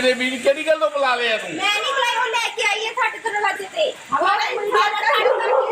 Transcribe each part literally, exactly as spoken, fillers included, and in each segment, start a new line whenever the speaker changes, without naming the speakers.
मेरे बीच केड़ी गल तो बुला लिया तू?
मैं नहीं बुलाई, वो लेके आई है साढ़े दरवाजे पे। हमारे मुंडे का साढ़े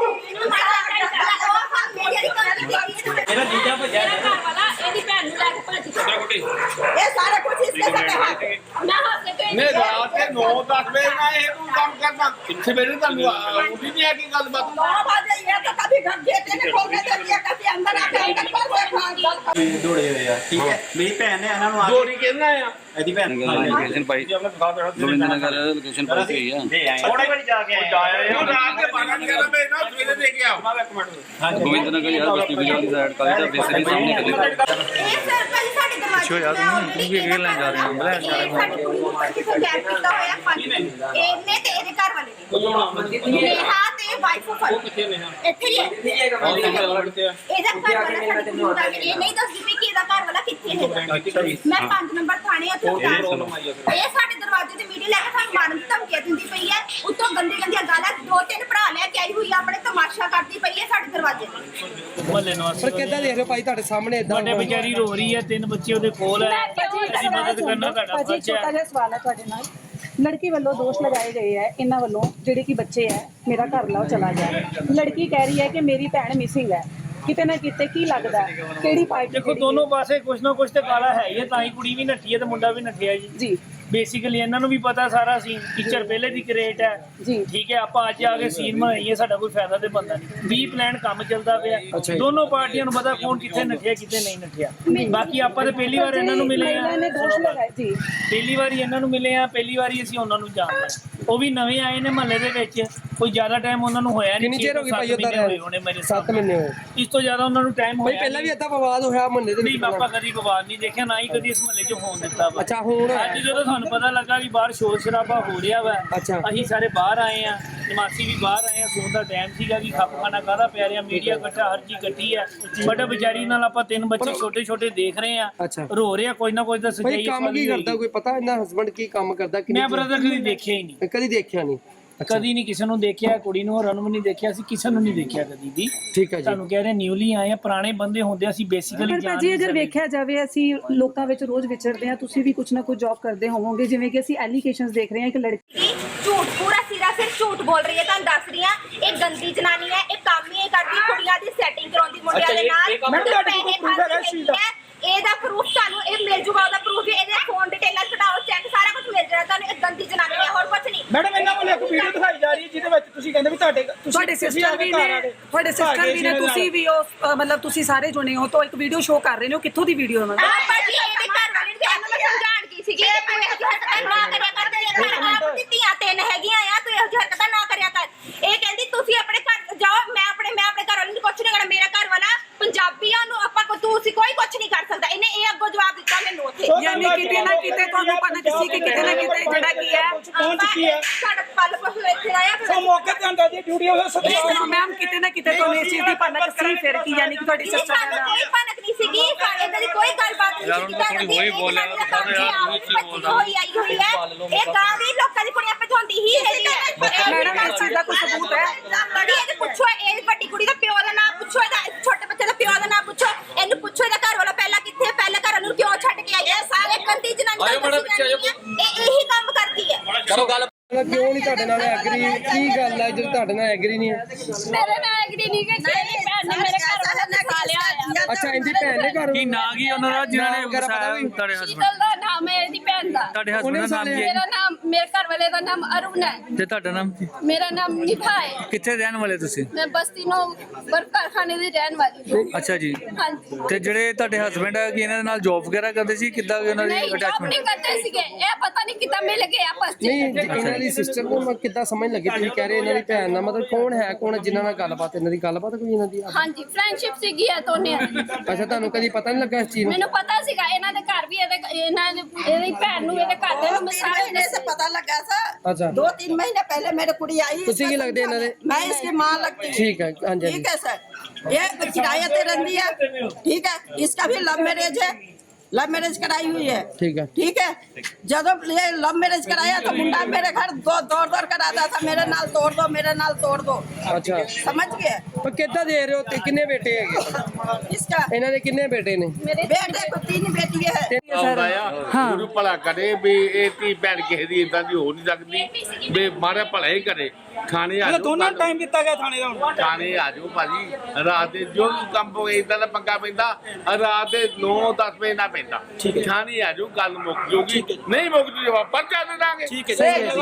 मेरा जीजा भजा
मेरा घर वाला एदी भैन नु लेके भज गया।
ये सारा कुछ इसके साथ है।
मैं हाथ से
मैं रात के नौ दस बजे ना ये तू काम करना किथे मेरे तन्नू उठी नहीं है की गल बात
नौ बजे ये तो कभी घर गेट ने खोल के दे दिया, कभी अंदर आके अंदर पर कोई
दौड़े हुए आ ठीक है मेरी भैन ने ਇਹਨਾਂ ਨੂੰ ਆ
गोरी कहना है
ਇਹਦੀ ਭੈਣ
लोकेशन पाई गोविंदनगर लोकेशन पाई हुई है
ਥੋੜੀ ਵਾਰੀ ਜਾ ਕੇ ਆਇਆ
ये रात के बारह ग्यारह बजे ना सवेरे दे के आओ
गोविंदनगर यार बस्ती बाजार की साइड का बेसिकली सामने खड़ी
ए सर भाई साढ़े दरवाजे
ਪਿੱਛੋਂ ਯਾਰ ਤੁਸੀਂ ਕੀ ਕੀ ਲੈਣ ਜਾ ਰਹੇ ਹੋ ਬਲੇ ਜਾ ਰਹੇ ਹੋ
ਸਾਡੀ ਕੁੜੀ ਨੂੰ ਪੱਕੀ ਤੋਂ ਗੈਪ ਕੀਤਾ ਹੋਇਆ ਪੰਜ ਇਹਨੇ ਤੇ ਇਹਦੇ ਘਰ ਵਾਲੇ ਨੇ ਨੇਹਾ ਤੇ ਵਾਈਫ ਆਫ ਇੱਥੇ ਹੀ ਹੈ ਇਹਦਾ ਘਰ ਵਾਲਾ ਸਾਡੀ ਕੁੜੀ ਨੂੰ ਦੱਸ ਇਹ ਨਹੀਂ ਦੱਸਦੀ ਵੀ ਕਿ ਇਹਦਾ ਘਰ ਵਾਲਾ ਕਿੱਥੇ ਹੈ। ਮੈਂ ਪੰਜ ਨੰਬਰ ਥਾਣੇ ਉੱਥੇ ਇਹ ਸਾਡੇ ਦਰਵਾਜ਼ੇ ਤੇ ਵੀਡੀਓ ਲੈ ਕੇ ਸਾਨੂੰ ਮਾਰਨ ਦੀ ਧਮਕੀਆਂ ਦਿੰਦੀ ਪਈ ਹੈ। ਉੱਤੋਂ ਗੰਦੀ ਗੰਦੀਆਂ ਗਾਲਾਂ ਦੋ ਤਿੰਨ ਭਰਾ ਲੈ ਕੇ ਆਈ ਹੋਈ ਆ, ਆਪਣੇ ਤਮਾਸ਼ਾ ਕਰਦੀ ਪਈ ਹੈ ਸਾਡੇ ਦਰਵਾਜ਼ੇ ਤੇ।
ਮੁਹੱਲੇ ਨਿਵਾਸੀ
ਪਰ ਕਿੱਦਾਂ ਦੇਖ ਰਹੇ ਹੋ ਭਾਈ ਤੁਹਾਡੇ ਸਾਹਮਣੇ ਇਦਾਂ
ਤੁਹਾਡੇ ਵਿਚਾਰੀ ਰੋ ਰਹੀ ਹੈ, ਤਿੰਨ ਬੱਚੇ ਉਹਦੇ ਕੋਲ ਹੈ, ਅਸੀਂ ਮਦਦ ਕਰਨਾ ਤੁਹਾਡਾ
ਭਾਜੀ
ਫਰਜ਼
ਛੋਟਾ
ਹੈ।
ਜਿਹਾ ਸਵਾਲ ਹੈ ਤੁਹਾਡੇ ਨਾਲ। ਲੜਕੀ ਵੱਲੋਂ ਦੋਸ਼ ਲਗਾਏ ਗਏ ਹੈ ਇਹਨਾਂ ਵੱਲੋਂ ਜਿਹੜੇ ਕਿ ਬੱਚੇ ਹੈ ਮੇਰਾ ਘਰ ਲਾਓ ਚਲਾ ਜਾਏ। ਲੜਕੀ ਕਹਿ ਰਹੀ ਹੈ ਕਿ ਮੇਰੀ ਭੈਣ ਮਿਸਿੰਗ ਹੈ। ਕਿਤੇ ਨਾ ਕਿਤੇ ਕੀ ਲੱਗਦਾ ਕਿਹੜੀ ਪਾਰਟੀ
ਦੇਖੋ ਦੋਨੋਂ ਪਾਸੇ ਕੁਛ ਨਾ ਕੁਛ ਤੇ ਕਾਲਾ ਹੈ ਹੀ ਹੈ, ਤਾਂ ਹੀ ਕੁੜੀ ਵੀ ਨੱਠੀ ਹੈ ਤੇ ਮੁੰਡਾ ਵੀ ਨੱਠਿਆ ਜੀ।
ਜੀ
ਬੇਸਿਕਲੀ ਇਹਨਾਂ ਨੂੰ ਵੀ ਪਤਾ ਸਾਰਾ ਸੀ ਟੀਚਰ ਪਹਿਲੇ ਦੀ ਕ੍ਰੇਟ ਹੈ
ਜੀ
ਠੀਕ ਹੈ। ਆਪਾਂ ਅੱਜ ਆ ਕੇ ਸੀਨ ਬਣਾਈਏ, ਸਾਡਾ ਕੋਈ ਫਾਇਦਾ ਤੇ ਬੰਦਾ ਨਹੀਂ। ਵੀਹ ਪਲਾਨ ਕੰਮ ਚੱਲਦਾ ਪਿਆ, ਦੋਨੋਂ ਪਾਰਟੀਆਂ ਨੂੰ ਪਤਾ ਕੌਣ ਕਿੱਥੇ ਨੱਠਿਆ ਕਿੱਥੇ ਨਹੀਂ ਨੱਠਿਆ। ਬਾਕੀ ਆਪਾਂ ਤੇ ਪਹਿਲੀ ਵਾਰ ਇਹਨਾਂ ਨੂੰ ਮਿਲੇ ਆ,
ਮਹਿਲਾ ਨੇ ਦੋਸ਼ ਲਗਾਏ ਜੀ।
ਪਹਿਲੀ ਵਾਰੀ ਇਹਨਾਂ ਨੂੰ ਮਿਲੇ ਆ, ਪਹਿਲੀ ਵਾਰੀ ਅਸੀਂ ਉਹਨਾਂ ਨੂੰ ਜਾਣਦੇ। ਉਹ ਵੀ ਨਵੇਂ ਆਏ ਨੇ ਮਹੱਲੇ ਦੇ ਵਿੱਚ, ਕੋਈ ਜ਼ਿਆਦਾ ਟਾਈਮ ਉਹਨਾਂ ਨੂੰ ਹੋਇਆ ਨਹੀਂ।
ਕਿੰਨੀ ਚਿਰ ਹੋ ਗਈ ਭਾਈ ਉਧਰ
ਹੋਣੇ ਮੇਰੇ
ਸੱਤ ਮਹੀਨੇ ਹੋਏ
ਇਸ ਤੋਂ ਜ਼ਿਆਦਾ ਉਹਨਾਂ ਨੂੰ ਟਾਈਮ
ਭਾਈ
ਹੋਇਆ
ਪਹਿਲਾਂ ਵੀ ਏਦਾਂ ਵਿਵਾਦ ਹੋਇਆ ਮੁਹੱਲੇ ਦੇ
ਨਹੀਂ।
ਵਿੱਚ
ਆਪਾਂ ਕਦੀ ਵਿਵਾਦ ਨਹੀਂ ਦੇਖਿਆ, ਨਾ ਹੀ ਕਦੀ ਇਸ ਮਹੱਲੇ 'ਚ ਹੋਣ ਦਿੱਤਾ ਵਾ।
ਅੱਛਾ ਹੁਣ
ਅੱਜ ਜਦੋਂ ਸਾਨੂੰ ਪਤਾ ਲੱਗਾ ਵੀ ਬਾਹਰ ਸ਼ੋਰ ਸ਼ਰਾਬਾ ਹੋ ਰਿਹਾ ਵਾ,
ਅੱਛਾ।
ਅਸੀਂ ਸਾਰੇ ਬਾਹਰ ਆਏ ਆ, ਨਿਵਾਸੀ ਵੀ ਬਾਹਰ ਆਏ ਆ। ਸੌਣ ਦਾ ਟਾਈਮ ਸੀਗਾ ਕਿ ਖੱਪ ਖਾਣਾ ਕਾਹਦਾ ਪੈ ਰਿਹਾ, ਮੀਡੀਆ ਇਕੱਠਾ ਹਰ ਚੀਜ਼ ਇਕੱਠੀ ਆ। ਬਟ ਵਿਚਾਰੀ ਨਾਲ ਆਪਾਂ ਤਿੰਨ ਬੱਚੇ ਛੋਟੇ ਛੋਟੇ ਦੇਖ ਰਹੇ ਆ,
ਅੱਛਾ।
ਰੋ ਰਹੇ ਆ, ਕੋਈ ਨਾ ਕੋਈ ਤਾਂ ਸੱਚਾਈ
ਭਾਈ ਕੰਮ ਕੀ ਕਰਦਾ ਕੋਈ ਪਤਾ ਇਹਨਾਂ ਹਸਬੰਡ ਕੀ ਕੰਮ ਕਰਦਾ ਕਿ
ਮੈਂ ਬ੍ਰਦਰ ਕਦੀ ਦੇਖਿਆ ਹੀ ਨਹੀਂ,
ਕਦੀ ਦੇਖਿਆ ਨਹੀਂ।
ਕਦੀ ਨਹੀਂ ਕਿਸੇ ਨੂੰ ਦੇਖਿਆ, ਕੁੜੀ ਨੂੰ ਔਰ ਨੂੰ ਨਹੀਂ ਦੇਖਿਆ, ਅਸੀਂ ਕਿਸੇ ਨੂੰ ਨਹੀਂ ਦੇਖਿਆ ਕਦੀ ਵੀ।
ਠੀਕ ਹੈ ਜੀ।
ਤੁਹਾਨੂੰ ਕਹਿ ਰਹੇ ਨਿਊਲੀ ਆਏ ਆ, ਪੁਰਾਣੇ ਬੰਦੇ ਹੁੰਦੇ ਅਸੀਂ ਬੇਸਿਕਲੀ
ਪਰ ਭਾਜੀ ਅਗਰ ਵੇਖਿਆ ਜਾਵੇ ਅਸੀਂ ਲੋਕਾਂ ਵਿੱਚ ਰੋਜ਼ ਵਿਚਰਦੇ ਹਾਂ, ਤੁਸੀਂ ਵੀ ਕੁਝ ਨਾ ਕੁਝ ਜੌਬ ਕਰਦੇ ਹੋਵੋਗੇ, ਜਿਵੇਂ ਕਿ ਅਸੀਂ ਐਲੀਗੇਸ਼ਨਸ ਦੇਖ ਰਹੇ ਹਾਂ ਕਿ ਲੜਕੀ
ਝੂਠ ਪੂਰਾ ਸਿਰਾ ਸਿਰ ਝੂਠ ਬੋਲ ਰਹੀ ਹੈ। ਤੁਹਾਨੂੰ ਦੱਸ ਰਹੀ ਹਾਂ ਇਹ ਗੰਦੀ ਜਨਾਨੀ ਹੈ, ਇਹ ਕੰਮ ਹੀ ਇਹ ਕਰਦੀ ਕੁੜੀਆਂ ਦੀ ਸੈਟਿੰਗ ਕਰਾਉਂਦੀ ਮੁੰਡਿਆਂ ਦੇ ਨਾਲ। ਪੈਸੇ ਖਾਂਦੀ ਹੈ, ਇਹਦਾ ਪ੍ਰੂਫ ਤੁਹਾਨੂੰ ਇਹ ਮਿਲ ਜੂਗਾ, ਉਹਦਾ ਪ੍ਰੂਫ ਇਹਦੇ ਫੋਨ ਡਿਟੇਲਾਂ ਕਢਾਓ, ਚੈੱਕ ਸਾਰਾ ਕੁਝ ਮਿਲ ਜਾਣਾ ਤੁਹਾਨੂੰ। ਇਹ ਗੰਦੀ ਜਨਾਨੀ ਹੈ, ਹੋਰ ਕੁਝ ਨਹੀਂ।
ਮੈਡਮ ਇਹਨਾਂ ਵੱਲੋਂ ਇੱਕ ਵੀਡੀਓ ਦਿਖਾਈ ਜਾ ਰਹੀ ਹੈ ਜਿਹਦੇ ਵਿੱਚ ਤੁਸੀਂ ਕਹਿੰਦੇ ਵੀ ਤੁਹਾਡੇ
ਤੁਹਾਡੇ ਸਿਸਟਰ ਵੀ ਨੇ ਤੁਹਾਡੇ ਸਿਸਟਰ ਵੀ ਨੇ, ਤੁਸੀਂ ਵੀ ਉਹ ਮਤਲਬ ਤੁਸੀਂ ਸਾਰੇ ਜੁਣੇ ਹੋ ਤਾਂ ਇੱਕ ਵੀਡੀਓ ਸ਼ੋਅ ਕਰ ਰਹੇ ਨੇ। ਉਹ ਕਿੱਥੋਂ ਦੀ ਵੀਡੀਓ ਹੈ ਮੈਡਮ?
ਆ ਭਾਜੀ ਇਹਦੇ ਘਰ ਵਾਲੇ ਨੂੰ ਇਹਨੂੰ ਮੈਂ ਸਮਝਾਣ ਕੀ ਸੀਗੀ ਕਿ ਤੂੰ ਇਹੋ ਜਿਹੀ ਹਰਕਤਾਂ ਨਾ ਕਰਿਆ ਕਰ, ਤੇਰੇ ਘਰ ਆਪ ਦੀ ਧੀਆਂ ਤਿੰਨ ਹੈਗੀਆਂ ਆ, ਤੂੰ ਇਹੋ ਜਿਹੀ ਹਰਕਤਾਂ ਨਾ ਕਰਿਆ ਕਰ। ਇਹ ਕਹਿੰਦੀ ਤੁਸੀਂ ਆਪਣੇ ਘਰ ਜਾਓ, ਮੈਂ ਆਪਣੇ ਮੈਂ ਆਪਣੇ ਘਰ ਵਾਲੇ ਨੂੰ ਕੁਝ ਨਹੀਂ ਕਰਨਾ। ਮੇਰਾ ਘਰ ਵਾਲਾ ਪੰਜਾਬੀਆਂ ਨੂੰ ਆਪਾਂ ਤੁਸੀਂ ਕੋਈ ਕੁਝ ਨਹੀਂ ਕਰ ਸਕਦਾ। ਇਹਨੇ ਇਹ ਅੱਗੋਂ ਜਵਾਬ ਦਿੱਤਾ ਮੈਨੂੰ ਉੱਥੇ।
ਯਾਨੀ ਕਿਤੇ ਨਾ ਕਿਤੇ ਤੁਹਾਨੂੰ ਪਤਾ ਸੀ ਕਿ ਕਿਤੇ ਨਾ ਕਿਤੇ ਜਿਹੜਾ ਕੀ ਹੈ
ਪਹੁੰਚ ਚੁੱਕੀ ਹੈ।
ਸਾਡਾ ਪਲ ਪਲ ਇੱਥੇ ਆਇਆ
ਸੋ ਮੌਕੇ ਤੇ ਆਂਦਾ ਜੀ ਡਿਊਟੀ ਹੋਵੇ ਸਤਿਕਾਰ
ਮੈਮ ਕਿਤੇ ਨਾ ਕਿਤੇ ਤੁਹਾਨੂੰ ਇਸ ਚੀਜ਼ ਦੀ ਭਨਕ ਸੀ ਫਿਰ ਕੀ ਯਾਨੀ ਕਿ ਤੁਹਾਡੀ ਸਿਸਟਰ
ਸਾਨੂੰ
ਦਾ
ਕੋਈ ਭਨਕ ਨਹੀਂ ਸੀਗੀ, ਸਾਡੇ ਇਦਾਂ ਦੀ ਕੋਈ ਗੱਲਬਾਤ ਨਹੀਂ ਸੀ। ਥੋੜੀ ਹੋਈ ਬੋਲਿਆ ਹੋਈ ਆਈ ਹੋਈ ਹੈ, ਇਹ ਗਾਂ ਦੀ ਲੋਕਾਂ ਦੀ ਕੁੜੀਆਂ ਭਜਾਉਂਦੀ ਹੀ ਹੈਗੀ ਹੈ।
ਮੈਡਮ ਇਸ ਚੀਜ਼ ਦਾ ਕੋਈ ਸਬੂਤ ਹੈ?
ਬੜੀ ਇਹਦੇ ਪੁੱਛੋ, ਇਹ ਵੱਡੀ ਕੁੜੀ ਦਾ ਪਿਓ ਦਾ ਨਾਮ ਪੁੱਛੋ, ਇਹਦਾ ਛੋਟੇ ਬੱਚੇ ਦਾ ਪਿਓ ਦਾ ਨਾਮ ਪੁੱਛੋ, ਇਹਨੂੰ ਪੁੱਛੋ ਇਹਦਾ ਘਰ ਵਾਲਾ ਪਹਿਲਾਂ ਕਿੱਥੇ, ਪਹਿਲਾਂ ਘਰ ਨੂੰ ਕਿਉਂ ਛੱਡ ਕੇ ਆਈ ਹੈ। ਸਾਰੇ ਗੰਦੀ ਜਨਾਨੀ ਇਹ ਇਹੀ ਕੰਮ ਕਰਦੀ ਹੈ।
ਕਰੋ ਗੱਲ
ਕਿਉਂ ਨਹੀਂ ਤੁਹਾਡੇ ਨਾਲ ਐਗਰੀ? ਕੀ ਗੱਲ ਹੈ ਜਦੋਂ ਤੁਹਾਡੇ ਨਾਲ ਐਗਰੀ ਨਹੀਂ ਹੈ?
ਮੇਰੇ ਨਾਲ ਐਗਰੀ ਨਹੀਂ ਕਿ ਮੇਰੀ ਭੈਣ ਨੇ ਮੇਰੇ ਘਰ ਵਾਲਾ ਨਸਾ ਲਿਆ ਆ।
ਅੱਛਾ ਇਹਦੀ ਭੈਣ ਨੇ ਘਰ
ਕੀ ਨਾਂ ਕੀ ਉਹਨਾਂ ਦਾ ਜਿਨ੍ਹਾਂ ਨੇ ਵਸਾਇਆ ਤੁਹਾਡੇ ਹਸਬੰਡ?
ਸ਼ੀਤਲ ਦਾ ਨਾਮ ਹੈ ਇਹਦੀ ਭੈਣ ਦਾ।
ਤੁਹਾਡੇ ਹਸਬੰਡ ਦਾ ਨਾਮ ਕੀ ਹੈ?
ਮੇਰਾ ਨਾਮ ਮੇਰੇ ਘਰ ਵਾਲੇ ਦਾ ਨਾਮ ਅਰੁਣ ਹੈ
ਤੇ ਤੁਹਾਡਾ ਨਾਮ ਕੀ?
ਮੇਰਾ ਨਾਮ ਨਿਭਾ ਹੈ।
ਕਿੱਥੇ ਰਹਿਣ ਵਾਲੇ ਤੁਸੀਂ?
ਮੈਂ ਬਸਤੀ ਨੂੰ ਵਰਕ ਕਾਰਖਾਨੇ ਦੀ ਰਹਿਣ ਵਾਲੀ ਹਾਂ।
ਅੱਛਾ ਜੀ।
ਹਾਂਜੀ
ਤੇ ਜਿਹੜੇ ਤੁਹਾਡੇ ਹਸਬੰਡ ਹੈ ਕਿ ਇਹਨਾਂ ਦੇ ਨਾਲ ਜੌਬ ਵਗੈਰਾ ਕਰਦੇ ਸੀ, ਕਿੱਦਾਂ ਉਹਨਾਂ ਦੀ
ਨਹੀਂ ਜੌਬ
ਅਟੈਚਮੈਂਟ?
ਨਹੀਂ ਕਰਦੇ ਸੀਗੇ, ਇਹ ਪਤਾ ਨਹੀਂ ਕਿੱਦਾਂ ਮਿਲ ਗਏ ਆਪਸ
ਨਹੀਂ
ਵਿੱਚ।
ਇਹਨਾਂ ਦੀ ਸਿਸਟਰ ਨੂੰ ਕਿੱਦਾਂ ਸਮਝ ਲੱਗੀ? ਤੁਸੀਂ ਕਹਿ ਰਹੇ ਇਹਨਾਂ ਦੀ ਭੈਣ ਨਾਲ ਮਤਲਬ ਕੌਣ ਹੈ ਕੌਣ ਜਿਨ੍ਹਾਂ ਨਾਲ ਗੱਲਬਾਤ ਇਹਨਾਂ ਦੀ ਗੱਲਬਾਤ ਕੋਈ ਇਹਨਾਂ ਦੀ?
ਹਾਂਜੀ ਫਰੈਂਡਸ਼ਿਪ ਸੀਗੀ ਇਹ ਦੋਨੇ ਦੀ।
ਅੱਛਾ ਤੁਹਾਨੂੰ ਕਦੀ ਪਤਾ ਨਹੀਂ ਲੱਗਾ ਇਸ ਚੀਜ਼ ਨੂੰ?
ਮੈਨੂੰ ਪਤਾ ਸੀਗਾ ਇਹਨਾਂ ਦੇ ਘਰ ਵੀ ਇਹਦੇ ਇਹਨਾਂ ਦੇ ਇਹਦੀ ਭੈਣ ਨੂੰ ਇਹਦੇ ਘਰ ਦੇ ਨੂੰ
तीन
ਸਾਰੇ
महीने से पता लगा था।
अच्छा।
दो तीन महीने पहले मेरी कुड़ी आई।
तुसी की लगती है इन्होंने?
मैं इसकी माँ लगती हूँ।
ठीक है, हाँ जी।
ठीक है सर, ये किराया ते रहती है। ठीक है, इसका भी लव मैरिज है। लव मैरिज कराई हुई है।
ठीक है।
ठीक है, जब ये लव मैरिज कराया तो मुंडा मेरे घर दो दौड़ दौड़ कर आता था, मेरे नाल तोड़ दो, मेरे नाल तोड़ दो।
अच्छा,
समझ गए?
पर कितना दे रहे हो ते किन्ने बेटे है
इसका
ਇਹਨਾਂ ਦੇ ਕਿੰਨੇ ਬੇਟੇ ਨੇ?
बेटे को तीन बेटी है।
ਆਉਂਦਾ ਆ ਗੁਰੂ ਭਲਾ ਕਰੇ ਵੀ ਇਹ ਧੀ ਭੈਣ ਕਿਸੇ ਦੀ ਇਦਾਂ ਦੀ ਹੋ ਨਹੀਂ ਸਕਦੀ ਵੀ ਮਾਰੇ ਭਲਾ ਹੀ ਕਰੇ। ਥਾਣੇ ਆ
ਮਤਲਬ
ਜਾਓ
ਦੋਨਾਂ ਨੂੰ ਟਾਈਮ ਦਿੱਤਾ ਗਿਆ ਥਾਣੇ ਦਾ ਹੁਣ।
ਥਾਣੇ ਆ ਜਾਓ ਭਾਜੀ, ਰਾਤ ਦੇ ਜੋ ਵੀ ਕੰਮ ਹੋਏ ਇਦਾਂ ਦਾ ਪੰਗਾ ਪੈਂਦਾ ਰਾਤ ਦੇ ਨੌ ਦਸ ਵਜੇ ਨਾ ਪੈਂਦਾ। ਥਾਣੇ ਆ ਜਾਓ, ਗੱਲ ਮੁੱਕ ਜੂਗੀ, ਨਹੀਂ ਮੁੱਕ ਜੂ ਜਵਾਬ ਪਰਚਾ ਦੇ ਦਾਂਗੇ।
ਠੀਕ ਹੈ ਜੀ।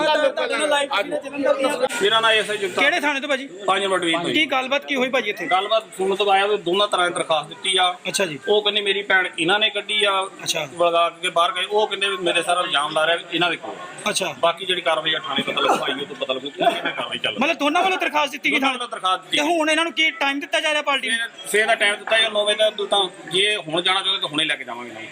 ਮੇਰਾ ਨਾਮ ਐਸਆਈ ਜਗਤਾਰ
ਕਿਹੜੇ ਥਾਣੇ ਤੋਂ ਭਾਜੀ?
ਪੰਜ ਮਿੰਟ ਵੀ
ਕੀ ਗੱਲਬਾਤ ਕੀ ਹੋਈ ਭਾਜੀ ਇੱਥੇ?
ਗੱਲਬਾਤ ਸੁਣਨ ਤੋਂ ਆਇਆ ਵੀ ਦੋਨਾਂ ਤਰ੍ਹਾਂ ਦੀ ਦਰਖਾਸਤ ਦਿੱਤੀ ਆ।
ਅੱਛਾ ਜੀ।
ਉਹ ਕਹਿੰਦੇ ਮੇਰੀ ਭੈਣ ਇਹਨਾਂ ਨੇ ਕੱਢੀ ਆ,
ਅੱਛਾ।
ਬਲਗਾ ਕੇ ਬਾਹਰ ਗਏ। ਉਹ ਕਹਿੰਦੇ ਵੀ ਮੇਰੇ ਸਾਰਾ ਇਲਜ਼ਾਮ ਲਾ ਰਿਹਾ ਵੀ ਇਹਨਾਂ ਦੇ ਕੋਲ।
ਅੱਛਾ,
ਬਾਕੀ ਜਿਹੜੀ ਕਾਰਵਾਈ ਆ ਥਾਣੇ ਪਤਾ ਲੱਗੂ, ਆਈ ਉਹ ਤੋਂ ਪਤਾ ਲੱਗੂ ਕਿਹਨਾਂ ਕਾਰਵਾਈ ਚੱਲ ਰਹੀ
ਮਤਲਬ ਦੋਨਾਂ ਵੱਲੋਂ ਦਰਖਾਸਤ ਦਿੱਤੀ ਗਈ
ਦੋਨਾਂ
ਥਾਣੇ
ਵੱਲੋਂ ਦਰਖਾਸਤ ਦਿੱਤੀ।
ਤੇ ਹੁਣ ਇਹਨਾਂ ਨੂੰ ਕੀ ਟਾਈਮ ਦਿੱਤਾ ਜਾ ਰਿਹਾ ਪਾਰਟੀ ਨੂੰ?
ਸਵੇਰ ਦਾ ਟਾਈਮ ਦਿੱਤਾ ਜਾਂ ਨੌ ਵਜੇ ਦਾ ਤਾਂ ਜੇ ਹੁਣ ਜਾਣਾ ਚਾਹੁੰਦੇ ਤਾਂ ਹੁਣੇ ਲੈ ਕੇ ਜਾਵਾਂਗੇ।